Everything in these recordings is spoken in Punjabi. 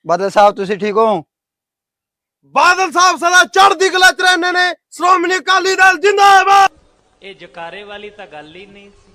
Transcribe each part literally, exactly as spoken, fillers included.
ਬਾਦਲ ਸਾਹਿਬ ਤੁਸੀਂ ਠੀਕ ਹੋ? ਬਾਦਲ ਸਾਹਿਬ ਸਦਾ ਚੜ੍ਹਦੀ ਕਲਾ ਚ ਰਹਿੰਦੇ ਨੇ। ਸ਼੍ਰੋਮਣੀ ਅਕਾਲੀ ਦਲ ਜਿੰਦਾਬਾਦ। ਇਹ ਜਕਾਰੇ ਵਾਲੀ ਤਾਂ ਗੱਲ ਹੀ ਨਹੀਂ ਸੀ।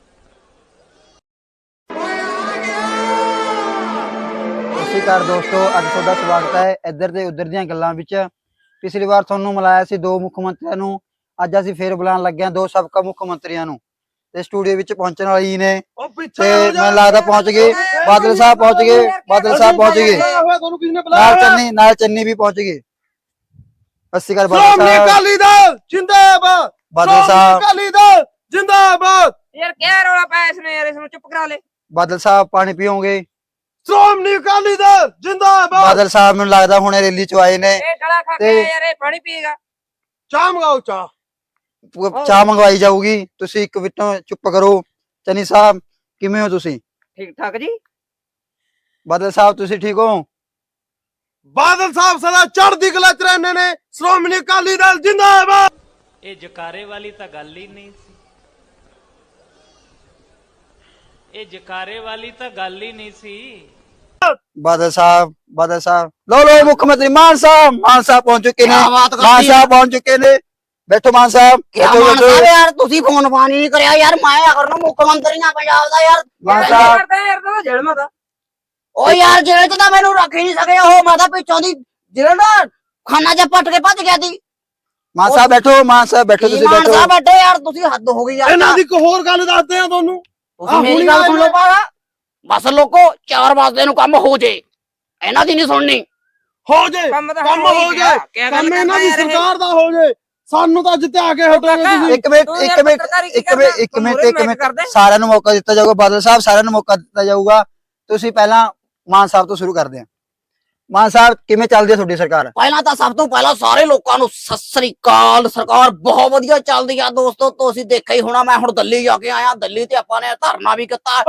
ਸਤਿ ਸ਼੍ਰੀ ਅਕਾਲ ਦੋਸਤੋ, ਅੱਜ ਤੁਹਾਡਾ ਸਵਾਗਤ ਹੈ ਇੱਧਰ ਤੇ ਉੱਧਰ ਦੀਆਂ ਗੱਲਾਂ ਵਿੱਚ। ਪਿਛਲੀ ਵਾਰ ਤੁਹਾਨੂੰ ਮਿਲਾਇਆ ਸੀ ਦੋ ਮੁੱਖ ਮੰਤਰੀਆਂ ਨੂੰ, ਅੱਜ ਅਸੀਂ ਫੇਰ ਬੁਲਾਉਣ ਲੱਗੇ ਹਾਂ ਦੋ ਸਾਬਕਾ ਮੁੱਖ ਮੰਤਰੀਆਂ ਨੂੰ ਤੇ ਸਟੂਡੀਓ ਵਿੱਚ ਪਹੁੰਚਣ ਵਾਲੇ ਹੀ ਨੇ ਉਹ ਪਿੱਛੇ ਤੇ ਹੋ ਜਾ। ਮੈਨੂੰ ਲੱਗਦਾ ਪਹੁੰਚ ਗਏ। ਬਾਦਲ ਸਾਹਿਬ ਪਹੁੰਚ ਗਏ, ਬਾਦਲ ਸਾਹਿਬ ਪਹੁੰਚ ਗਏ, ਤੁਹਾਨੂੰ ਕਿਸ ਨੇ ਨਾਲ ਬੁਲਾਇਆ? ਚੰਨੀ ਨਾਲ ਚੰਨੀ ਵੀ ਪਹੁੰਚ ਗਏ। ਸਤਿ ਸ਼੍ਰੀ ਅਕਾਲ ਬਾਦਲ ਸ਼੍ਰੋਮਣੀ ਸਾਹਿਬ। ਅਕਾਲੀ ਦਲ ਜਿੰਦਾਬਾਦ। ਬਾਦਲ ਸ਼੍ਰੋਮਣੀ ਸਾਹਿਬ ਅਕਾਲੀ ਦਲ ਜਿੰਦਾਬਾਦ। यार क्या रौला पाया इसने यार, इसमें चुप करा ले। ਬਾਦਲ ਸਾਹਿਬ ਪਾਣੀ ਪੀਓਗੇ? ਸ਼੍ਰੋਮਣੀ ਅਕਾਲੀ ਦਲ ਜਿੰਦਾਬਾਦ। ਬਾਦਲ ਸਾਹਿਬ ਮੈਨੂੰ ਲੱਗਦਾ ਹੁਣੇ ਰੈਲੀ ਚ ਆਏ ਨੇ, ए गला खा के ਤੇ- यार ये पानी पिएगा। ਚਾਹ ਮੰਗਾਓ ਚਾਹ। ਚਾਹ ਮੰਗਵਾਈ ਜਾਊਗੀ। ਤੁਸੀਂ ਇੱਕ ਮਿੰਟੋਂ ਚੁੱਪ ਕਰੋ। ਚੰਨੀ ਸਾਹਿਬ ਕਿਵੇਂ ਹੋ ਤੁਸੀਂ? ठीक ठाक जी। ਬਾਦਲ ਸਾਹਿਬ ਤੁਸੀਂ ਠੀਕ ਹੋ? ਬਾਦਲ ਸਾਹਿਬ ਸਦਾ ਚੜ੍ਹਦੀ ਕਲਾ ਚ ਰਹਿੰਦੇ ਨੇ। ਸ਼੍ਰੋਮਣੀ ਅਕਾਲੀ ਦਲ ਜਿੰਦਾਬਾਦ। ਇਹ ਜਕਾਰੇ ਵਾਲੀ ਤਾਂ ਗੱਲ ਹੀ ਨਹੀਂ ਸੀ। ਇਹ ਜਕਾਰੇ ਵਾਲੀ ਤਾਂ ਗੱਲ ਹੀ ਨਹੀਂ ਸੀ। ਬਾਦਲ ਸਾਹਿਬ ਬਾਦਲ ਸਾਹਿਬ ਲੋ ਲੋ ਮੁੱਖ ਮੰਤਰੀ ਮਾਨ ਸਾਹਿਬ ਮਾਨ ਸਾਹਿਬ ਪਹੁੰਚ ਚੁੱਕੇ ਨੇ। ਕਿਆ ਬਾਤ ਕਰਤੀ ਮਾਨ ਹੈ। ਸਾਹਿਬ ਪਹੁੰਚ ਚੁੱਕੇ ਨੇ। ਬੈਠੋ ਮਾਨ ਸਾਹਿਬ, ਕਿਆ ਬੈਠੋ, ਮਾਨ ਬੈਠੋ। ਸਾਹਿਬ ਯਾਰ ਤੁਸੀਂ ਫੋਨ ਫਾਨ ਹੀ ਨਹੀਂ ਕਰਿਆ ਯਾਰ। ਮੈਂ ਅਗਰ ਨੂੰ ਮੁੱਖ ਮੰਤਰੀ ਨਾ ਪੰਜਾਬ ਦਾ ਯਾਰ। ਮਾਨ क्या ਸਾਹਿਬ करते हैं यार, तो जेल में था। ਉਹ ਯਾਰ ਜਿਹੜੇ ਚ ਤਾਂ ਮੈਨੂੰ ਰੱਖ ਹੀ ਨਹੀਂ ਸਕੇ। ਉਹ ਮੈਂ ਤਾਂ ਪਿੱਛੋਂ ਦੀ ਜਿਹੜਾ ਨਾ ਖਾਨਾ ਚ ਪੱਟ ਕੇ ਭੱਜ ਗਿਆ ਸੀ। ਮਾਨ ਸਾਹਿਬ ਬੈਠੋ, ਮਾਨ ਸਾਹਿਬ ਬੈਠੋ, ਕੀ ਤੁਸੀਂ ਮਾਨ ਬੈਠੋ। ਸਾਹਿਬ ਬੈਠੇ ਯਾਰ, ਤੁਸੀਂ ਹੱਦ ਹੋ ਗਈ ਯਾਰ। ਇਹਨਾਂ ਦੀ ਇੱਕ ਹੋਰ ਗੱਲ ਦੱਸਦੇ ਆ ਤੁਹਾਨੂੰ। ਤੁਸੀਂ ਆਹ ਮੇਰੀ ਹੁਣੀ ਗੱਲ ਸੁਣ ਲਓ ਆਏ ਪਾਰਾ। ਬਸ ਲੋਕੋ ਚਾਰ ਵਜੇ ਨੂੰ ਕੰਮ ਹੋ ਜੇ, ਇਹਨਾਂ ਦੀ ਨਹੀਂ ਸੁਣਨੀ। ਹੋ ਜੇ ਕੰਮ ਤਾਂ ਕੰਮ ਹੋ ਹੀ ਹੋ ਗਿਆ। ਜੇ क्या गल ਕੰਮ ਇਹਨਾਂ करता ਦੀ है यार ये? ਸਰਕਾਰ ਦਾ ਹੋ ਜੇ। ਸਾਨੂੰ ਤਾਂ ਜਿੱਤੇ ਕੇ ਹਟੋਗੇ ਕਾਕਾ, ਤੁਸੀਂ। ਇੱਕ ਮਿੰਟ ਤੂੰ ਇੱਕ ਯਾਰ ਮਿੰਟ ਪੱਤਰਕਾਰੀ ਕੀ ਇੱਕ ਮਿੰਟ ਕਰਦਾ? ਇੱਕ ਤੂੰ ਮਿੰਟ ਮੂਹਰੇ ਇੱਕ ਮੈਂ ਮਿੰਟ ਕਰਦੇ? ਸਾਰਿਆਂ ਨੂੰ ਮੌਕਾ ਦਿੱਤਾ ਜਾਊਗਾ। ਬਾਦਲ ਸਾਹਿਬ ਸਾਰਿਆਂ ਨੂੰ ਮੌਕਾ ਦਿੱਤਾ ਜਾਊਗਾ। ਤੁਸੀਂ ਪਹਿਲਾਂ ਮਾਨ ਸਾਹਿਬ ਤੋਂ ਸ਼ੁਰੂ ਕਰਦੇ ਹਾਂ। ਮਾਨ ਸਾਹਿਬ ਕਿਵੇਂ ਚੱਲਦੀ ਹੈ ਤੁਹਾਡੀ ਸਰਕਾਰ? ਪਹਿਲਾਂ ਤਾਂ ਸਭ ਤੋਂ ਪਹਿਲਾਂ ਸਾਰੇ ਲੋਕਾਂ ਨੂੰ ਸਤਿ ਸ੍ਰੀ ਅਕਾਲ। ਸਰਕਾਰ ਬਹੁਤ ਵਧੀਆ ਚੱਲਦੀ ਆ ਦੋਸਤੋ। ਤੁਸੀਂ ਦੇਖਿਆ ਹੀ ਹੋਣਾ, ਮੈਂ ਹੁਣ ਦਿੱਲੀ ਜਾ ਕੇ ਆਇਆ। ਦਿੱਲੀ ਤੇ ਆਪਾਂ ਨੇ ਧਰਨਾ ਵੀ ਕੀਤਾ।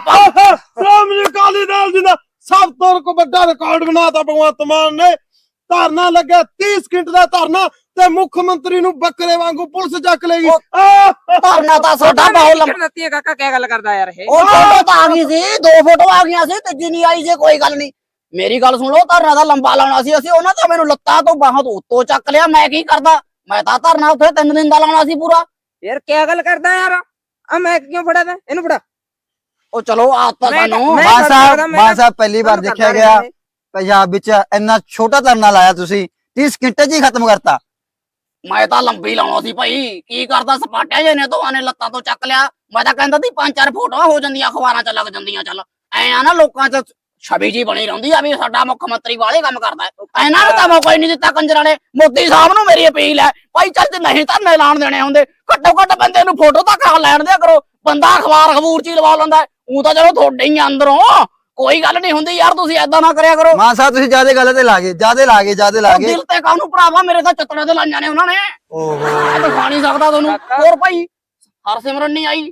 ਸ਼੍ਰੋਮਣੀ ਅਕਾਲੀ ਦਲ ਜਿੰਦਾ ਸਭ ਤੋਂ ਕੋ ਵੱਡਾ ਰਿਕਾਰਡ ਬਣਾਤਾ ਭਗਵੰਤ ਮਾਨ ਨੇ। ਧਰਨਾ ਲੱਗਿਆ ਤੀਹ ਸਕਿੰਟ ਦਾ ਧਰਨਾ ਤੇ ਮੁੱਖ ਮੰਤਰੀ ਨੂੰ ਬੱਕਰੇ ਵਾਂਗੂ ਪੁਲਿਸ ਚੱਕ ਲੇਗੀ। ਧਰਨਾ ਤਾਂ ਸਾਡਾ ਬਹੁਤ ਲੰਬਾ। टिकट देती है काका, क्या गल करदा यार ये? ਉਹ ਫੋਟੋ ਤਾਂ ਆ ਗਈ ਸੀ, ਦੋ ਫੋਟੋ ਆ ਗਈਆਂ ਸੀ, ਤੀਜੀ ਨਹੀਂ ਆਈ ਸੀ। ਕੋਈ ਗੱਲ ਨਹੀਂ, ਮੇਰੀ ਗੱਲ ਸੁਣ ਲਓ। ਧਰਨਾ ਦਾ ਲੰਬਾ ਲਾਉਣਾ ਸੀ ਅਸੀਂ। ਉਹਨਾਂ ਤਾਂ ਮੈਨੂੰ ਲੱਤਾਂ ਤੋਂ ਬਾਹਾਂ ਤੋਂ ਉੱਤੋਂ ਚੱਕ ਲਿਆ। ਮੈਂ ਕੀ ਕਰਦਾ? ਮੈਂ ਤਾਂ ਧਰਨਾ ਉੱਥੇ ਤਿੰਨ ਦਿਨ ਦਾ ਲਾਉਣਾ ਸੀ ਪੂਰਾ। यार क्या गल करदा यार? आ मैं क्यों फड़ा था इनु फड़ा? ਉਹ ਚਲੋ ਆਤ ਤਾਂ ਮੈਂ- ਸਾਨੂੰ ਮੈਂ- ਮਾਨ ਕਰ ਸਾਹਿਬ ਸਕਦਾ, ਮੈਂ ਮਾਨ ਤਾਂ- ਸਾਹਿਬ ਪਹਿਲੀ ਵਾਰ ਤੁਹਾਨੂੰ ਦੇਖਿਆ ਕਰਦਾ ਗਿਆ ਰਿਹਾ ਪੰਜਾਬ ਵਿੱਚ ਇੰਨਾ ਛੋਟਾ ਧਰਨਾ ਲਾਇਆ ਤੁਸੀਂ, ਤੀਹ ਸਕਿੰਟ 'ਚ ਹੀ ਖਤਮ ਕਰਤਾ। ਮੈਂ ਤਾਂ ਲੰਬੀ ਲਾਉਣਾ ਸੀ ਭਾਈ। ਕੀ ਕਰਦਾ? ਸਪਾਟਿਆ ਜੇ ਨੇ ਦੋਵਾਂ ਨੇ ਲੱਤਾਂ ਤੋਂ ਚੱਕ ਲਿਆ। ਮੈਂ ਤਾਂ ਕਹਿੰਦਾ ਸੀ ਪੰਜ ਚਾਰ ਫੋਟੋਆਂ ਹੋ ਜਾਂਦੀਆਂ, ਅਖਬਾਰਾਂ 'ਚ ਲੱਗ ਜਾਂਦੀਆਂ। ਚੱਲ ਐ ਆ ਨਾ, ਲੋਕਾਂ 'ਚ ਛਵੀ ਜੀ ਬਣੀ ਰਹਿੰਦੀ ਆ ਵੀ ਸਾਡਾ ਮੁੱਖ ਮੰਤਰੀ ਵਾਲੇ ਕੰਮ ਕਰਦਾ ਹੈ। ਇਹਨਾਂ ਨੂੰ ਤਾਂ ਮੌਕਾ ਹੀ ਨਹੀਂ ਦਿੱਤਾ ਕੰਜਰਾਂ ਨੇ। ਮੋਦੀ ਸਾਹਿਬ ਨੂੰ ਮੇਰੀ ਅਪੀਲ ਹੈ ਭਾਈ, ਚੱਲ ਜੇ ਨਹੀਂ ਧਰਨੇ ਐਲਾਨ ਦੇਣੇ ਹੁੰਦੇ, ਘੱਟੋ ਘੱਟ ਬੰਦੇ ਨੂੰ ਫੋਟੋ ਤਾਂ ਖਾ ਲੈਣ ਦਿਆ ਕਰੋ। ਬੰਦਾ ਅਖਬਾਰ ਖਬੂਰ 'ਚ ਹੀ ਲਵਾ ਲੈਂਦਾ। ਉਹ ਤਾਂ ਚਲੋ ਤੁਹਾਡੇ ਹੀ ਆ ਅੰਦਰੋਂ, ਕੋਈ ਗੱਲ ਨਹੀਂ ਹੁੰਦੀ ਯਾਰ। ਤੁਸੀਂ ਏਦਾਂ ਨਾ ਕਰਿਆ ਕਰੋ। ਮਾਨ ਸਾਹਿਬ ਤੁਸੀਂ ਜਿਆਦੇ ਗੱਲ ਤੇ ਲਾਗੇ ਜਿਆਦੇ ਲਾਗੇ ਜਿਆਦੇ ਉਹ ਲਾਗੇ। ਦਿਲ ਤੇ ਕਾਹਨੂੰ ਭਰਾਵਾ, ਮੇਰੇ ਤਾਂ ਚੱਤੜੇ ਤੇ ਲਾਈਆਂ ਨੇ ਉਹਨਾਂ ਨੇ। ਓਹੋ ਮੈਂ ਤਾਂ ਖਾ ਨਹੀਂ ਸਕਦਾ ਤੁਹਾਨੂੰ। ਹੋਰ ਭਾਈ ਹਰਸਿਮਰਨ ਨਹੀਂ ਆਈ।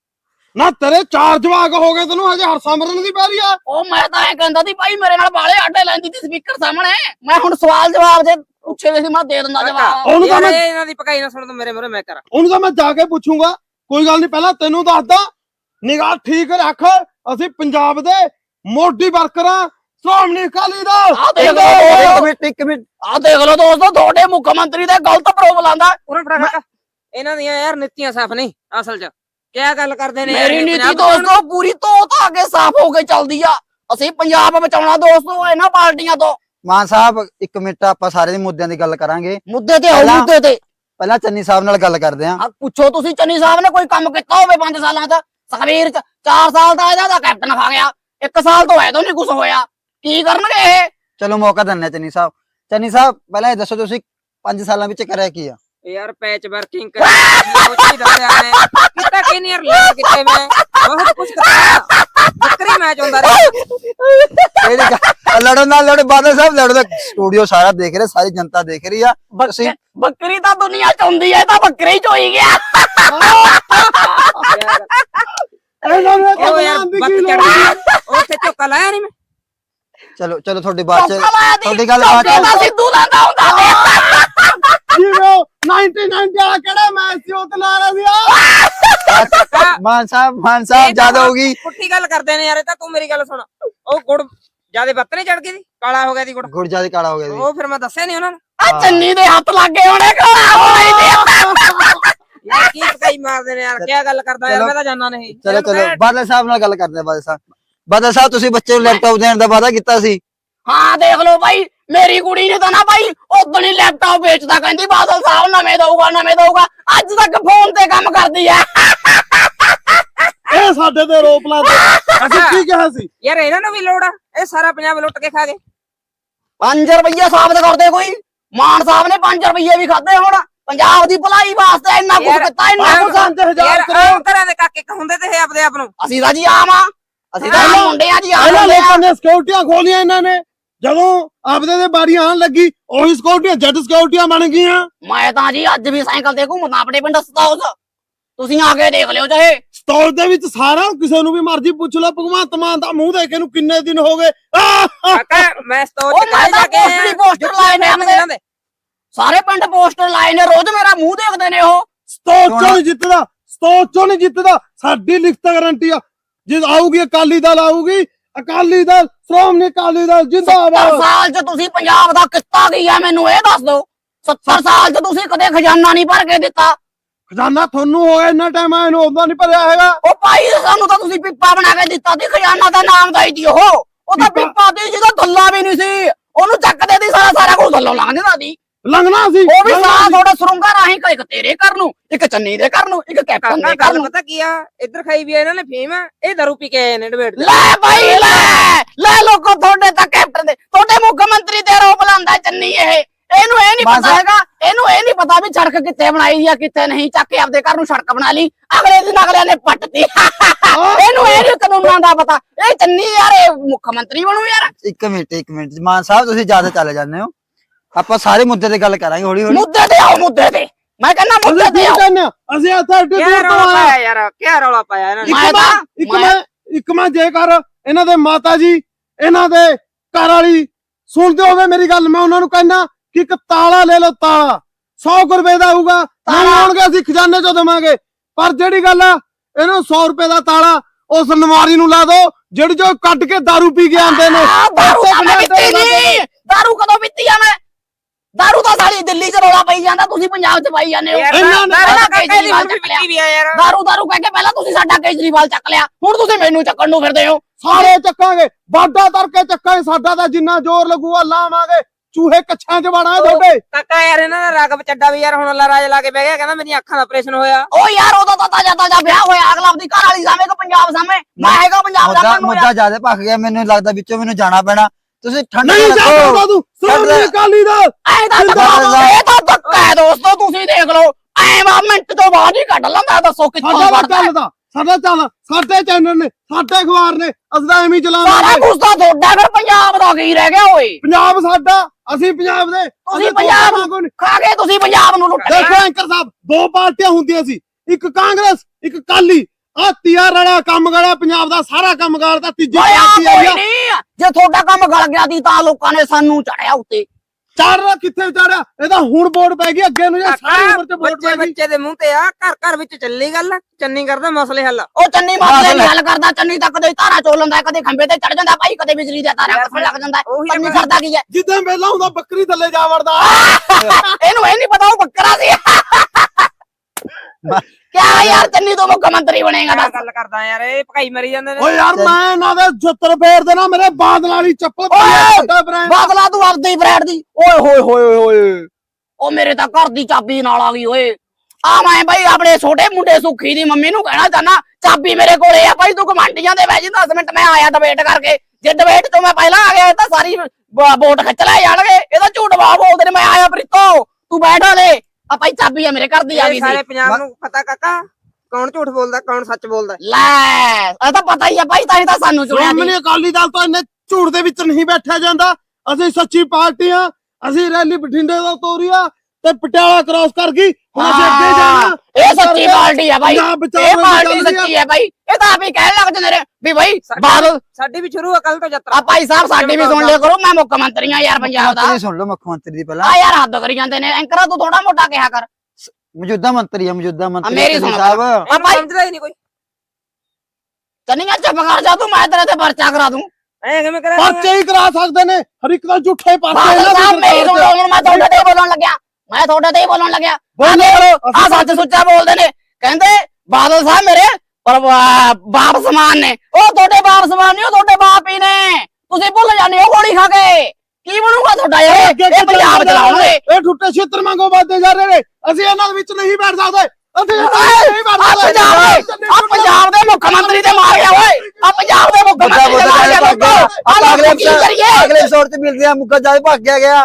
ਨਾ ਤੇਰੇ ਚਾਰ ਜਵਾਕ ਹੋ ਗਏ, ਤੈਨੂੰ ਹਜੇ ਹਰਸਮਰਨ ਦੀ ਪੈਰੀ ਆ। ਉਹ ਮੈਂ ਤਾਂ ਐ ਕਹਿੰਦਾ ਸੀ ਭਾਈ, ਮੇਰੇ ਨਾਲ ਬਾਲੇ ਆਡੇ ਲੈਂਦੀ ਸੀ ਸਪੀਕਰ ਸਾਹਮਣੇ। ਮੈਂ ਹੁਣ ਸਵਾਲ ਜਵਾਬ ਜੇ ਪੁੱਛੇ ਗਏ ਸੀ, ਮੈਂ ਦੇ ਦਿੰਦਾ ਜਵਾਬ। ਉਹਨੂੰ ਤਾਂ यार ਮੈਂ ये इन्हां दी पकाई ना सुन तो मेरे मेरे मैं करा। ਉਹਨੂੰ ਤਾਂ ਮੈਂ ਜਾ ਕੇ ਪੁੱਛੂੰਗਾ। ਕੋਈ ਗੱਲ ਨਹੀਂ, ਪਹਿਲਾਂ ਤੈਨੂੰ ਦੱਸਦਾ। ਨਿਗਾਹ ਠੀਕ ਰੱਖ, ਅਸੀਂ ਪੰਜਾਬ ਦੇ ਮੋਢੀ ਵਰਕਰ ਆ। ਸ਼੍ਰੋਮਣੀ ਅਕਾਲੀ ਦਲ। ਆਹ ਦੇਖ ਇੱਕ ਲਓ, ਮਿੰਟ ਇੱਕ ਮਿੰਟ ਆਹ ਦੇਖ ਲਓ ਦੋਸਤੋ, ਤੁਹਾਡੇ ਮੁੱਖ ਮੰਤਰੀ ਦੇ ਗਲਤ ਪ੍ਰੋਬ ਲਾਂਦਾ। उरे फड़ा काका। इन्हां दी यार नीतियां साफ नहीं असल च। क्या गल करदे ने यार ਮੇਰੀ ये ਨੀਤੀ पंजाब ਦੋਸਤੋ ਪੂਰੀ ਧੋ ਧਾ ਕੇ ਸਾਫ਼ ਹੋ ਕੇ ਚੱਲਦੀ ਆ। ਅਸੀਂ ਪੰਜਾਬ ਬਚਾਉਣਾ ਦੋਸਤੋ ਇਹਨਾਂ ਪਾਰਟੀਆਂ ਤੋਂ। ਮਾਨ ਸਾਹਿਬ ਇੱਕ ਮਿੰਟ ਆਪਾਂ ਸਾਰੇ ਦੇ ਮੁੱਦਿਆਂ ਦੀ ਗੱਲ ਕਰਾਂਗੇ। ਮੁੱਦੇ ਤੇ ਆਓ, ਪਹਿਲਾਂ- ਮੁੱਦੇ ਤੇ ਪਹਿਲਾਂ ਚੰਨੀ ਸਾਹਿਬ ਨਾਲ ਗੱਲ ਕਰਦੇ ਹਾਂ। ਆ ਪੁੱਛੋ ਤੁਸੀਂ, ਚੰਨੀ ਸਾਹਿਬ ਨੇ ਕੋਈ ਕੰਮ ਕੀਤਾ ਹੋਵੇ ਪੰਜ ਸਾਲਾਂ ਚ? ਸੁਖਬੀਰ ਚ ਚਾਰ ਸਾਲ ਦਾ ਇਹਦਾ ਤਾਂ ਕੈਪਟਨ ਖਾ ਗਿਆ। ਇੱਕ ਸਾਲ ਤੋਂ ਐਦੋਂ ਨਹੀਂ ਕੁਝ ਹੋਇਆ। ਕੀ ਕਰਨਗੇ ਇਹ? ਚਲੋ ਮੌਕਾ ਦਿੰਦੇ ਹਾਂ ਚੰਨੀ ਸਾਹਿਬ। ਚੰਨੀ ਸਾਹਿਬ ਪਹਿਲਾਂ ਇਹ ਦੱਸੋ ਤੁਸੀਂ ਪੰਜ ਸਾਲਾਂ ਵਿੱਚ ਕਰਿਆ ਕੀ ਆ? यार पैच वर्किंग कर कुछ ही दस्या ने कितना के यार ले किते मैं बहुत कुछ करता। बकरी मैच होंदा रे। ਕਿਹੜੀ ਗੱਲ- ਲੜੋ ਨਾ ਲੜੋ ਬਾਦਲ ਸਾਹਿਬ, ਲੜੋ ਤਾਂ ਸਟੂਡੀਓ ਸਾਰਾ ਦੇਖ ਰਿਹਾ, ਸਾਰੀ ਜਨਤਾ ਦੇਖ ਰਹੀ ਆ। ਤੁਸੀਂ ਬੱਕਰੀ ਤਾਂ ਦੁਨੀਆ ਚ ਹੁੰਦੀ ਐ, ਤਾਂ ਬੱਕਰੀ ਚ ਹੋਈ ਗਿਆ। ਇਹਨਾਂ ਨੇ ओ यार बत चढ़ गई ओथे चौका लाया नहीं मैं। ਚਲੋ ਚਲੋ ਤੁਹਾਡੀ ਬਾਤ ਚ ਚੌਕਾ ਲਾਇਆ ਸੀ, ਤੁਹਾਡੀ ਗੱਲ ਬਾਤ ਚੌਕੇ ਦਾ ਚ ਸਿੱਧੂ ਲਾਂਦਾ ਹੁੰਦਾ ਸੀ। ਜਿਵੇਂ ਨਾਈਨਟੀ ਨਾਈਨਟੀ ਵਾਲਾ ਕਿਹੜਾ ਮੈਚ ਸੀ ਉਹ ਤੇ ਲਾ ਰਿਹਾ ਸੀ। ਮਾਨ ਸਾਹਿਬ ਮਾਨ ਸਾਹਿਬ ਜ਼ਿਆਦਾ ਹੋ ਗਈ। ਪੁੱਠੀ ਗੱਲ ਕਰਦੇ ਨੇ ਯਾਰ। ਇਹ ਤਾਂ ਤੂੰ ਮੇਰੀ ਗੱਲ ਸੁਣ। ਉਹ ਗੁੜ ਜਿਆਦੇ ਬੱਤ ਨਹੀਂ ਚੜ ਗਈ ਸੀ। ਕਾਲਾ ਹੋ ਗਿਆ ਦੀ ਗੁੜ ਗੁੜ ਜਿਆਦਾ ਕਾਲਾ ਹੋ ਗਿਆ ਜੀ ਉਹ ਫਿਰ ਮੈਂ ਦੱਸਿਆ ਨਹੀਂ ਉਹਨਾਂ ਨੂੰ ਆ ਚੰਨੀ ਦੇ ਹੱਥ ਲੱਗੇ ਹੋਣੇ ਕਾਲਾ ਹੋਣੇ ਦੇ ਯਾਰ ਕੀ ਪਕਾਈ ਮਾਰਦੇ ਨੇ ਯਾਰ ਕੀ ਗੱਲ ਕਰਦਾ ਯਾਰ ਮੈਂ ਤਾਂ ਜਾਣਾ ਨਹੀਂ ਚਲੋ ਚਲੋ ਬਾਦਲ ਸਾਹਿਬ ਨਾਲ ਗੱਲ ਕਰਦੇ ਆ ਬਾਦਲ ਸਾਹਿਬ ਬਾਦਲ ਸਾਹਿਬ ਤੁਸੀਂ ਬੱਚੇ ਨੂੰ ਲੈਪਟਾਪ ਦੇਣ ਦਾ ਵਾਅਦਾ ਕੀਤਾ ਸੀ ਹਾਂ ਦੇਖ ਲਓ ਭਾਈ ਮੇਰੀ ਕੁੜੀ ਨੇ ਤਾਂ ਨਾ ਭਾਈ ਉਦੋਂ ਹੀ ਲੈਪਟਾਪ ਵੇਚਦਾ ਕਹਿੰਦੀ ਬਾਦਲ ਸਾਹਿਬ ਨਵੇਂ ਦਊਗਾ ਨਵੇਂ ਦਊਗਾ ਅੱਜ ਤੱਕ ਫੋਨ ਤੇ ਕੰਮ ਕਰਦੀ ਐ ਇਹ ਸਾਡੇ ਤੇ ਰੋਪ ਲਾਦੇ ਅਸੀਂ ਕੀ ਕਿਹਾ ਸੀ ਯਾਰ ਇਹਨਾਂ ਨੂੰ ਵੀ ਲੋੜ ਆ ਇਹ ਸਾਰਾ ਪੰਜਾਬ ਲੁੱਟ ਕੇ ਖਾ ਗਏ ਪੰਜ ਰੁਪਈਏ ਸਾਬਤ ਕਰਦੇ ਕੋਈ ਮਾਨ ਸਾਹਿਬ ਨੇ ਪੰਜ ਰੁਪਈਏ ਵੀ ਖਾਦੇ ਹੁਣ ਪੰਜਾਬ ਦੀ ਭਲਾਈ ਵਾਸਤੇ ਇੰਨਾ ਕੁਝ ਯਾਰ, ਕੀਤਾ ਇੰਨਾ ਕੁਝ ਪੰਜ ਹਜ਼ਾਰ ਯਾਰ ਕਰੋੜ ਆਮ ਘਰਾਂ ਦੇ ਕਾਕੇ ਹੁੰਦੇ ਤੇ ਇਹ ਆਪਦੇ ਆਪ ਨੂੰ ਅਸੀਂ ਤਾਂ ਜੀ ਆਮ ਆ ਅਸੀਂ ਤਾਂ ਪਹਿਲਾਂ- ਮੁੰਡੇ ਆ ਜੀ ਆਮ ਇਹਨਾਂ ਮੁੰਡੇ ਆ। ਲੋਕਾਂ ਨੇ ਸਿਕਿਉਰਟੀਆਂ ਖੋਲੀਆਂ ਇਹਨਾਂ ਨੇ ਜਦੋਂ ਆਪਦੇ ਦੇ ਬਾਰੀ ਆਣ ਲੱਗੀ ਉਹੀ ਸਿਕਿਉਰਟੀਆਂ ਜੱਟ ਸਿਕਿਉਰਟੀਆਂ ਬਣ ਗਈਆਂ ਮੈਂ ਤਾਂ ਜੀ ਅੱਜ ਵੀ ਸਾਈਕਲ ਤੇ ਘੁੰਮਦਾ ਆਪਣੇ ਪਿੰਡ ਸਤਾਉਸ ਤੁਸੀਂ ਆ ਕੇ ਦੇਖ ਲਿਓ ਚਾਹੇ ਸਟੋਰ ਦੇ ਵਿੱਚ ਸਾਰਾ ਕਿਸੇ ਨੂੰ ਵੀ ਮਰਜ਼ੀ ਪੁੱਛ ਲਓ ਭਗਵੰਤ ਮਾਨ ਦਾ ਮੂੰਹ ਦੇਖ ਇਹਨੂੰ ਕਿੰਨੇ ਦਿਨ ਹੋ ਗਏ ਆਹ! ਕਾਕਾ ਮੈਂ ਸਟੋਰ ਉਹ ਚ ਮੈਂ ਕਾਹ ਜਾ ਤਾਂ ਕੇ ਪੋਸਟਰ ਹੀ ਪੋਸਟਰ ਲਾਏ ਨੇ ਇਹਨਾਂ ਦੇ ਸਾਰੇ ਪਿੰਡ ਪੋਸਟਰ ਲਾਏ ਨੇ ਰੋਜ਼ ਮੇਰਾ ਮੂੰਹ ਦੇਖਦੇ ਨੇ ਉਹ ਸਟੋਰ ਚੋਂ ਨਹੀਂ ਜਿੱਤਦਾ ਸਟੋਰ ਚੋਂ ਨਹੀਂ ਜਿੱਤਦਾ ਸਾਡੀ ਲਿਖਤ ਗਾਰੰਟੀ ਆ ਜੇ ਆਊਗੀ ਅਕਾਲੀ ਦਲ ਆਊਗੀ ਅਕਾਲੀ ਦਲ ਸ਼੍ਰੋਮਣੀ ਅਕਾਲੀ ਦਲ ਸੱਤਰ ਜਿੰਦਾਬਾਦ ਸਾਲ ਚ ਤੁਸੀਂ ਪੰਜਾਬ ਦਾ ਕਿੱਤਾ ਕੀ ਹੈ ਮੈਨੂੰ ਇਹ ਦੱਸ ਦਿਓ ਸੱਤਰ ਸਾਲ ਚ ਤੁਸੀਂ ਕਦੇ ਖਜ਼ਾਨਾ ਨਹੀਂ ਭਰ ਕੇ ਦਿੱਤਾ ਖਜ਼ਾਨਾ ਤੁਹਾਨੂੰ ਹੋਇਆ ਇੰਨਾ ਟਾਈਮ ਆ ਇਹਨੂੰ ਉਦੋਂ ਨਹੀਂ ਭਰਿਆ ਹੈਗਾ ਉਹ ਭਾਈ ਸਾਨੂੰ ਤਾਂ ਤੁਸੀਂ ਪਿੱਪਾ ਬਣਾ ਕੇ ਦਿੱਤਾ ਸੀ ਖਜ਼ਾਨਾ ਦਾ ਨਾਮ ਦਾ ਹੀ ਸੀ ਉਹ ਉਹ ਤਾਂ ਪਿੱਪਾ? ਪਿੱਪਾ ਦੀ ਜਿਹਦਾ ਥੱਲਾ ਵੀ ਨਹੀਂ ਸੀ ਉਹਨੂੰ ਚੱਕਦੇ ਦੀ ਸਾਰਾ ਸਾਰਾ ਕੁਝ ਥੱਲੋਂ ਲੰਘ ਜਾਂਦਾ ਸੀ ਲੰਘਣਾ ਸੀ ਉਹ ਵੀ ਲੰਘਣਾ ਸਾਰਾ ਸੀ। ਥੋੜਾ ਸੁਰੰਗਾ ਰਾਹੀਂ ਇੱਕ ਤੇਰੇ ਘਰ ਨੂੰ ਇੱਕ ਚੰਨੀ ਦੇ ਘਰ ਨੂੰ ਇੱਕ ਕੈਪਟਨ ਕਾਕਾ ਦੇ ਘਰ ਗੱਲ ਨੂੰ ਪਤਾ ਕੀ ਆ ਇੱਧਰ ਖਾਈ ਵੀ ਆ ਇਹਨਾਂ ਨੇ ਫੀਮ ਇਹ ਦਾਰੂ ਪੀ ਕੇ ਆਏ ਨੇ ਡਿਬੇਟ ਤੇ ਲੈ ਭਾਈ ਲੈ ਲੈ ਲੋਕੋ ਤੁਹਾਡੇ ਤਾਂ ਕੈਪਟਨ ਦੇ ਤੁਹਾਡੇ ਮੁੱਖ ਮੰਤਰੀ ਤੇ ਆਰੋਪ ਲਾਉਂਦਾ ਚੰਨੀ ਇਹ ਇਹਨੂੰ ਇਹ ਨਹੀਂ ਬਸ। ਪਤਾ ਹੈਗਾ ਇਹਨੂੰ ਇਹ ਨਹੀਂ ਪਤਾ ਵੀ ਸੜਕ ਕਿੱਥੇ ਬਣਾਈ ਆ ਕਿੱਥੇ ਨਹੀਂ ਚੱਕ ਕੇ ਆਪਦੇ ਘਰ ਨੂੰ ਸੜਕ ਬਣਾ ਲਈ ਅਗਲੇ ਦਿਨ ਅਗਲਿਆਂ ਨੇ ਪੱਟਤੀ ਇਹਨੂੰ ਇਹ ਨਹੀਂ ਕਾਨੂੰਨਾਂ ਦਾ ਪਤਾ ਇਹ ਚੰਨੀ ਯਾਰ ਇਹ ਮੁੱਖ ਮੰਤਰੀ ਬਣੂ ਯਾਰ ਇੱਕ ਮਿੰਟ ਇੱਕ ਮਿੰਟ ਮਾਨ ਸਾਹਿਬ ਤੁਸੀਂ ਜ਼ਿਆਦਾ ਚੱਲੇ ਜਾਂਦੇ ਹੋ ਆਪਾਂ ਸਾਰੇ ਮੁੱਦੇ ਤੇ ਗੱਲ ਕਰਾਂਗੇ ਹੌਲੀ ਹੌਲੀ ਮੁੱਦੇ ਤੇ ਆਓ ਮੁੱਦੇ ਤੇ ਮੈਂ ਕਹਿੰਦਾ ਮੁੱਦੇ ਅਸੀਂ ਤੇ ਕੀ ਆਓ ਕਹਿੰਦੇ ਆ ਅਸੀਂ ਇੱਥੇ ਐਡੇ ਕਿਆ ਦੂਰ ਤੋਂ ਰੌਲਾ ਆਏ ਪਾਇਆ ਯਾਰ ਕਿਆ ਰੌਲਾ ਪਾਇਆ ਇਹਨਾਂ ਨੇ ਮੈਂ ਇੱਕ ਮੈਂ ਤਾਂ- ਇੱਕ ਮੈਂ- ਮੈਂ ਇੱਕ ਮੈਂ ਜੇਕਰ ਇਹਨਾਂ ਦੇ ਮਾਤਾ ਜੀ ਇਹਨਾਂ ਦੇ ਘਰ ਵਾਲੀ ਸੁਣਦੇ ਹੋਵੇ ਮੇਰੀ ਗੱਲ ਮੈਂ ਉਹਨਾਂ ਨੂੰ ਕਹਿੰਦਾ ਕਿ ਇੱਕ ਤਾਲਾ ਲੈ ਲਓ ਤਾਲਾ ਸੌ ਰੁਪਏ ਦਾ ਆਊਗਾ ਨਹੀਂ ਤਾਲਾ? ਆਉਣਗੇ ਅਸੀਂ ਖਜ਼ਾਨੇ ਚੋਂ ਦੇਵਾਂਗੇ ਪਰ ਜਿਹੜੀ ਗੱਲ ਆ ਇਹਨੂੰ ਸੌ ਰੁਪਏ ਦਾ ਤਾਲਾ ਉਸ ਨਮਾਰੀ ਨੂੰ ਲਾ ਦਿਓ ਜਿਹੜੀ ਜੋ ਕੱਢ ਕੇ दारू ਪੀ ਕੇ ਆਉਂਦੇ ਨੇ ਆਹ, ਦਾਰੂ ਪੈਸੇ ਤਾਂ ਮੈਂ ਕਮਾਉਂਦੇ ਪੀਤੀ ਨੇ। ਨਹੀਂ ਦਾਰੂ ਕਦੋਂ ਪੀਤੀ ਆ ਮੈਂ ਦਾਰੂ ਤਾਂ ਸਾਲੀ ਦਿੱਲੀ ਚ ਰੌਲਾ ਪਈ ਜਾਂਦਾ ਤੁਸੀਂ ਪੰਜਾਬ ਚ ਪਾਈ ਜਾਂਦੇ ਹੋ ਯਾਰ ਇਹਨਾਂ ਨੇ ਦਾਰੂ ਪਹਿਲਾਂ ਕਾਕਾ ਦੀ ਕੇਜਰੀਵਾਲ ਹੁਣ ਵੀ ਚੱਕ ਲਿਆ। ਪੀਤੀ ਵੀ ਆ ਯਾਰ ਦਾਰੂ ਦਾਰੂ ਕਹਿ ਕੇ ਪਹਿਲਾਂ ਤੁਸੀਂ ਸਾਡਾ ਕੇਜਰੀਵਾਲ ਚੱਕ ਲਿਆ ਹੁਣ ਤੁਸੀਂ ਮੈਨੂੰ ਚੱਕਣ ਨੂੰ ਫਿਰਦੇ ਹੋ ਸਾਰੇ ਚੱਕਾਂਗੇ ਬਾਡਾ ਕਰਕੇ ਚੱਕਾਂਗੇ ਸਾਡਾ ਤਾਂ ਜਿੰਨਾ ਜ਼ੋਰ ਲੱਗੂਗਾ ਲਾਵਾਂਗੇ ਚੂਹੇ ਕੱਛਾਂ ਚ ਵੜਾਂ ਤੁਹਾਡੇ ਕਾਕਾ ਯਾਰ ਇਹਨਾਂ ਦਾ ਰਗ ਚੱਡਾ ਵੀ ਯਾਰ ਹੁਣ ਲਰਾਜ ਲਾ ਕੇ ਬਹਿ ਗਿਆ ਕਹਿੰਦਾ ਮੇਰੀਆਂ ਅੱਖਾਂ ਦਾ ਆਪਰੇਸ਼ਨ ਹੋਇਆ ਉਹ ਯਾਰ ਉਦੋਂ ਤਾਂ ਤਾਜਾ ਤਾਜਾ ਵਿਆਹ ਹੋਇਆ ਅਗਲਾ ਆਪਦੀ ਘਰ ਵਾਲੀ ਸਾਹਮਣੇ ਕਿ ਪੰਜਾਬ ਸਾਹਮਣੇ ਮੈਂ ਹੈਗਾ ਪੰਜਾਬ ਦਾ ਮੁੱਦਾ ਮੈਨੂੰ ਮੁੱਦਾ ਜ਼ਿਆਦਾ ਭੱਖ ਗਿਆ ਮੈਨੂੰ ਲੱਗਦਾ ਵਿੱਚੋਂ ਮੈਨੂੰ ਜਾਣਾ ਪੈਣਾ ਤੁਸੀਂ ਠੰਡ ਨਹੀਂ ਜਾ ਸਕਦਾ ਤੂੰ ਸ਼੍ਰੋਮਣੀ ਅਕਾਲੀ ਦਲ ਐ ਤਾਂ ਧੱਕਾ- ਇਹ ਤਾਂ ਧੱਕਾ ਹੈ ਦੋਸਤੋ ਤੁਸੀਂ ਦੇਖ ਲਓ ਐ ਵਾ ਮਿੰਟ ਤੋਂ ਬਾਅਦ ਹੀ ਕੱਢ ਲੈਂਦਾ ਦੱਸੋ ਕਿੱਥੋਂ ਸਾਡਾ ਤਾਂ ਵੜਦਾ ਹੈ। ਚੱਲਦਾ ਸਾਡਾ ਚੱਲ ਸਾਡੇ ਚੈਨਲ ਨੇ ਸਾਡੇ ਅਖਬਾਰ ਨੇ ਅਸੀਂ ਤਾਂ ਐਵੇਂ ਹੀ ਸਾਰਾ ਚਲਾਵਾਂਗੇ ਕੁਝ ਤਾਂ ਤੁਹਾਡਾ ਫਿਰ ਪੰਜਾਬ ਦਾ ਕੀ ਰਹਿ ਗਿਆ ਓਏ ਪੰਜਾਬ ਸਾਡਾ ਅਸੀਂ ਪੰਜਾਬ ਦੇ ਤੁਸੀਂ ਅਸੀਂ ਪੰਜਾਬ ਦੋਸਤਾਂ ਕੋਲ- ਖਾ ਕੇ ਤੁਸੀਂ ਪੰਜਾਬ ਨੂੰ ਲੁੱਟ ਦੇਖੋ ਲਿਆ ਐਂਕਰ ਸਾਹਿਬ ਦੋ ਪਾਰਟੀਆਂ ਹੁੰਦੀਆਂ ਸੀ ਇੱਕ ਕਾਂਗਰਸ ਇੱਕ ਕਾਲੀ ਆ ਤੀਆ ਰੜਾ ਕੰਮ ਗੜਾ ਪੰਜਾਬ ਦਾ ਸਾਰਾ ਕੰਮ ਗਾਲਦਾ ਤੀਜੀ ਓਏ ਆ ਪਾਰਟੀ ਆਈ ਕੋਈ ਆ ਨਹੀਂ ਜੇ ਤੁਹਾਡਾ ਕੰਮ ਗਲ ਗਿਆ ਸੀ ਤਾਂ ਲੋਕਾਂ ਨੇ ਸਾਨੂੰ ਚੜਿਆ ਉੱਤੇ ਚਾਰ ਕਿੱਥੇ ਚਾੜਿਆ ਇਹਦਾ ਹੁਣ ਵੋਟ ਪੈ ਗਈ ਅੱਗੇ ਨੂੰ ਜੇ ਸਾਰੀ ਉਮਰ ਚ ਵੋਟ ਬੱਚੇ ਪੈ ਗਈ ਬੱਚੇ ਦੇ ਮੂੰਹ ਤੇ ਆ ਘਰ ਘਰ ਵਿੱਚ ਚੱਲੀ ਗੱਲ ਚੰਨੀ ਕਰਦਾ ਮਸਲੇ ਹੱਲ ਉਹ ਚੰਨੀ ਮਾਸਲੇ ਦੀ ਗੱਲ ਕਰਦਾ ਚੰਨੀ ਤਾਂ ਕਦੇ ਧਾਰਾ ਚੋਲ ਲੈਂਦਾ ਕਦੇ ਖੰਬੇ ਤੇ ਚੜ ਜਾਂਦਾ ਭਾਈ ਕਦੇ ਬਿਜਲੀ ਦਾ ਤਾਰਾ ਕੱਟਣ ਲੱਗ ਜਾਂਦਾ ਉਹੀ ਤਾਂ ਚੰਨੀ ਮੈਂ- ਕਰਦਾ ਕੀ ਹੈ ਜਿੱਦਾਂ ਵੇਲਾ ਹੁੰਦਾ ਬੱਕਰੀ ਥੱਲੇ ਜਾ ਵੜਦਾ ਇਹਨੂੰ ਇਹ ਨਹੀਂ ਪਤਾ ਉਹ ਬੱਕਰਾ ਸੀ ਕਿਆ ਯਾਰ ਚੰਨੀ ਤੋਂ ਮੁੱਖ ਮੰਤਰੀ ਬਣੇਗਾ ਕਿਆ ਦੱਸ ਗੱਲ ਕਰਦਾ ਯਾਰ ਇਹ ਭਕਾਈ ਮਰੀ ਜਾਂਦੇ ਨੇ ਓ ਯਾਰ ਮੈਂ ਇਹਨਾਂ ਦੇ ਛੱਤਰ ਫੇਰ ਦੇਣਾ ਮੇਰੇ ਬਾਦਲ ਵਾਲੀ ਚੱਪਲ ਪਈ ਆ, ਓਏ! ਵੱਡਾ brand। ਬਾਦਲਾ ਤੂੰ ਆਪਦੀ ਬ੍ਰੈਡ ਦੀ ਓਏ ਹੋਏ ਹੋਏ ਹੋਏ ਉਹ ਮੇਰੇ ਤਾਂ ਘਰ ਦੀ ਚਾਬੀ ਨਾਲ ਆ ਗਈ ਓਏ ਆ ਮੈਂ ਭਾਈ ਆਪਣੇ ਛੋਟੇ ਮੁੰਡੇ ਸੁੱਖੀ ਦੀ ਮੰਮੀ ਨੂੰ ਕਹਿਣਾ ਚਾਹਨਾ ਚਾਬੀ ਮੇਰੇ ਕੋਲੇ ਆ ਭਾਈ ਤੂੰ ਕਮਾਂਡੀਆਂ ਦੇ ਬਹਿ ਜੀ ਦਸ ਮਿੰਟ ਮੈਂ ਆਇਆ ਡਿਬੇਟ ਕਰਕੇ ਜੇ ਡਿਬੇਟ ਤੋਂ ਮੈਂ ਪਹਿਲਾਂ ਆ ਗਿਆ ਇਹ ਤਾਂ ਸਾਰੀ ਬ- ਵੋਟ ਖਿੱਚ ਲੈ ਜਾਣਗੇ ਇਹਦਾ ਝੂਠ ਬਾਹ ਬੋਲਦੇ ਨੇ ਮੈਂ ਆਇਆ ਪ੍ਰੀਤੋ ਤੂੰ ਬੈਠ ਹਲੇ ਆ ਭਾਈ ਚਾਬੀ ਆ ਮੇਰੇ ਘਰ ਦੀ ਆ ਇਹ ਗਈ ਸਾਰੇ ਸੀ ਪੰਜਾਬ ਨੂੰ ਪਤਾ ਕਾਕਾ ਕੌਣ ਝੂਠ ਬੋਲਦਾ ਕੌਣ ਸੱਚ ਬੋਲਦਾ ਲੈ ਇਹ ਤਾਂ ਪਤਾ ਹੀ ਆ ਭਾਈ ਤਾਂ ਹੀ ਤਾਂ ਸਾਨੂੰ ਚੁਣਿਆ ਸ਼੍ਰੋਮਣੀ ਸੀ ਅਕਾਲੀ ਦਲ ਤੋਂ ਇੰਨੇ ਝੂਠ ਦੇ ਵਿੱਚ ਨਹੀਂ ਬੈਠਿਆ ਜਾਂਦਾ ਅਸੀਂ ਸੱਚੀ ਪਾਰਟੀ ਆ ਅਸੀਂ ਰੈਲੀ ਬਠਿੰਡੇ ਤੋਂ ਤੋਰੀਆ ਤੇ ਪਟਿਆਲਾ ਕ੍ਰਾਸ ਕਰ ਗਈ ਹੁਣ ਅਸੀਂ ਅੱਗੇ ਜਾਣਾ ਇਹ ਸੱਚੀ ਪਾਰਟੀ ਆ ਭਾਈ ਪੰਜਾਬ ਬਚਾਓ ਇਹ ਵਾਲੀ ਪਾਰਟੀ ਚੱਲਦੀ ਆ। ਸੱਚੀ ਹੈ ਭਾਈ ਇਹ ਤਾਂ ਆਪ ਹੀ ਕਹਿਣ ਲੱਗ ਜਾਂਦੇ ਨੇ ਵੀ ਭਾਈ ਸਾਡੀ- ਬਾਦਲ ਸਾਡੀ ਵੀ ਸ਼ੁਰੂ ਆ ਕੱਲ ਤੋਂ ਯਾਤਰਾ ਆ ਭਾਈ ਸਾਹਿਬ ਸਾਡੀ ਵੀ ਸੁਣ ਲਿਆ ਕਰੋ ਮੈਂ ਮੁੱਖ ਮੰਤਰੀ ਆ ਯਾਰ ਪੰਜਾਬ ਦਾ ਮੰਤਰੀ ਸੁਣ ਲਓ ਮੁੱਖ ਮੰਤਰੀ ਦੀ ਪਹਿਲਾਂ ਆ ਯਾਰ ਹੱਦ ਕਰੀ ਜਾਂਦੇ ਨੇ ਐਂਕਰਾ ਤੂੰ ਥੋੜਾ ਮੋਟਾ ਕਿਹਾ ਕਰ ਮੌਜੂਦਾ ਮੰਤਰੀ ਆ ਮੌਜੂਦਾ ਮੰਤਰੀ ਮੇਰੀ ਚੰਨੀ ਸੁਣੋ ਸਾਹਿਬ ਇਹਨੂੰ ਭਾਈ- ਸਮਝਦਾ ਹੀ ਨਹੀਂ ਕੋਈ ਚੰਨੀਆਂ ਚੁੱਪ ਕਰ ਜਾ ਤੂੰ ਮੈਂ ਤੇਰੇ ਤੇ ਪਰਚਾ ਕਰਾ ਦੂੰ ਐ ਕਿਵੇਂ ਕਰਾਂ ਪਰਚੇ ਹੀ ਕਰਾ ਸਕਦੇ ਨੇ ਹਰ ਇੱਕ ਦਾ ਝੂਠੇ ਪਰਚੇ ਬਾਦਲ ਇਹਨਾਂ ਦੀ ਸਾਹਿਬ ਮੇਰੀ ਸਰਕਾਰ ਸੁਣੋ ਚ। ਹੁਣ ਮੈਂ ਤੁਹਾਡੇ ਤੇ ਹੀ ਬੋਲਣ ਲੱਗਿਆ ਮੈਂ ਤੁਹਾਡੇ ਤੇ ਹੀ ਬੋਲਣ ਲੱਗਿਆ ਬੋਲੋ ਕਰੋ, ਆ ਸੱਚ ਸੁੱਚਾ ਬੋਲਦੇ ਨੇ ਕਹਿੰਦੇ ਬਾਦਲ ਸਾਹਿਬ ਮੇਰੇ ਪਰ ਬਾਪ ਸਮਾਨ ਨੇ ਉਹ ਤੁਹਾਡੇ ਬਾਪ ਸਮਾਨ ਨਹੀਂ ਉਹ ਤੁਹਾਡੇ ਬਾਪ ਹੀ ਨੇ ਤੁਸੀਂ ਭੁੱਲ ਜਾਂਦੇ ਹੋ ਗੋਲੀ ਖਾ ਕੇ ਕੀ ਬਣੂਗਾ ਤੁਹਾਡਾ ਇਹ ਅੱਗੇ ਇਹ ਪੰਜਾਬ ਚਲਾਉਣਗੇ ਇਹ ਠੁੱਟੇ ਛਿੱਤਰ ਮੰਗੋ ਵੱਧਦੇ ਜਾ ਰਹੇ ਨੇ ਅਸੀਂ ਇਹਨਾਂ ਦੇ ਵਿੱਚ ਨਹੀਂ ਬੈਠ ਸਕਦੇ ਅਸੀਂ ਇਹਨਾਂ ਦੇ ਵਿੱਚ ਨਹੀਂ ਬੈਠ ਆ ਸਕਦੇ ਪੰਜਾਬ ਦੇ ਆ ਪੰਜਾਬ ਦੇ ਮੁੱਖ ਮੰਤਰੀ ਤੇ ਮਾਰ ਗਿਆ ਓਏ ਆ ਪੰਜਾਬ ਦੇ ਮੁੱਖ ਬੱਚਾ ਮੰਤਰੀ ਤੇ ਮਾਰ ਗਿਆ ਬੋਲਦਾ ਲੋਕੋ ਆ ਅਗਲੇ ਲੋਕ ਕੀ ਕਰੀਏ ਅਗਲੇ ਐਪੀਸੋਡ ਚ ਮਿਲਦੇ ਆ ਮੁੱਕਾ ਜਾਏ ਭੱਗ ਗਿਆ ਗਿਆ